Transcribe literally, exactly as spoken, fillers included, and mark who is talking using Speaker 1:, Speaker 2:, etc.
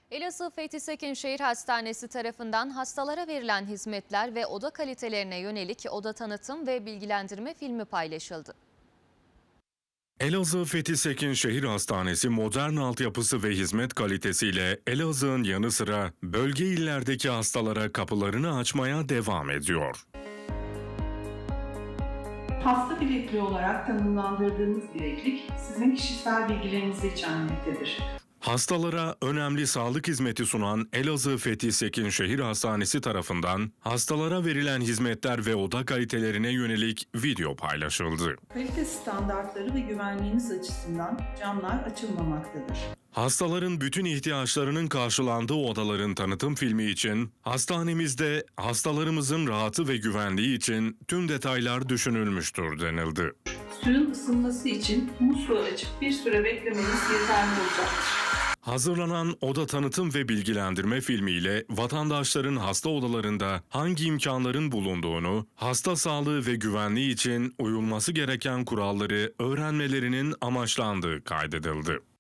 Speaker 1: Elazığ Fethi Sekinşehir Hastanesi tarafından hastalara verilen hizmetler ve oda kalitelerine yönelik oda tanıtım ve bilgilendirme filmi paylaşıldı.
Speaker 2: Elazığ Fethi Sekinşehir Hastanesi modern altyapısı ve hizmet kalitesiyle Elazığ'ın yanı sıra bölge illerdeki hastalara kapılarını açmaya devam ediyor.
Speaker 3: Hasta bilekliği olarak tanımlandırdığımız bileklik sizin kişisel bilgilerinizi içermektedir.
Speaker 2: Hastalara önemli sağlık hizmeti sunan Elazığ Fethi Sekinşehir Hastanesi tarafından hastalara verilen hizmetler ve oda kalitelerine yönelik video paylaşıldı.
Speaker 3: Kalite standartları ve güvenliğiniz açısından camlar açılmamaktadır.
Speaker 2: Hastaların bütün ihtiyaçlarının karşılandığı odaların tanıtım filmi için hastanemizde hastalarımızın rahatı ve güvenliği için tüm detaylar düşünülmüştür denildi.
Speaker 3: Suyun ısınması için musluğu açıp bir süre beklemeniz yeterli olacaktır.
Speaker 2: Hazırlanan oda tanıtım ve bilgilendirme filmiyle vatandaşların hasta odalarında hangi imkanların bulunduğunu, hasta sağlığı ve güvenliği için uyulması gereken kuralları öğrenmelerinin amaçlandığı kaydedildi.